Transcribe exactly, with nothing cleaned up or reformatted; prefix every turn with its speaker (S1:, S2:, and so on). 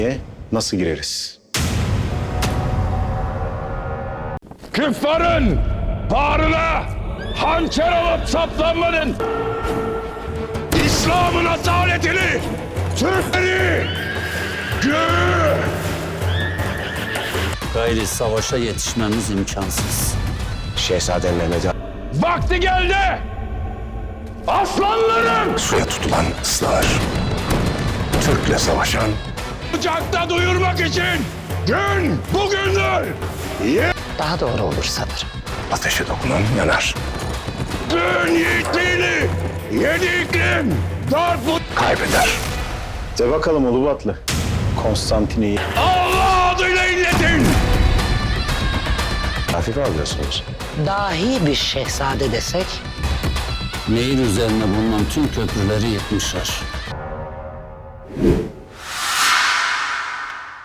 S1: nasıl gireriz?
S2: Küffarın bağrına hançer alıp saplanmanın, İslam'ın asaletini, Türkleri gör.
S3: Gayri savaşa yetişmemiz imkansız.
S1: Şehzade Mehmet'e
S2: Vakti geldi. Aslanlarım
S1: suya tutulan ıslar. Türk'le savaşan
S2: sıcakta duyurmak için gün bugündür. Ye-
S4: Daha doğru olur sanırım.
S1: ateşe dokunan yanar.
S2: Gün yiğitliğini yedi iklim dört bu
S1: Kaybeder. De bakalım Ulubatlı. Konstantin'i
S2: Allah adıyla illetin.
S1: hafife alıyorsunuz.
S4: Dahi bir şehzade desek
S3: Nehir üzerine bulunan tüm köprüleri yıkmışlar.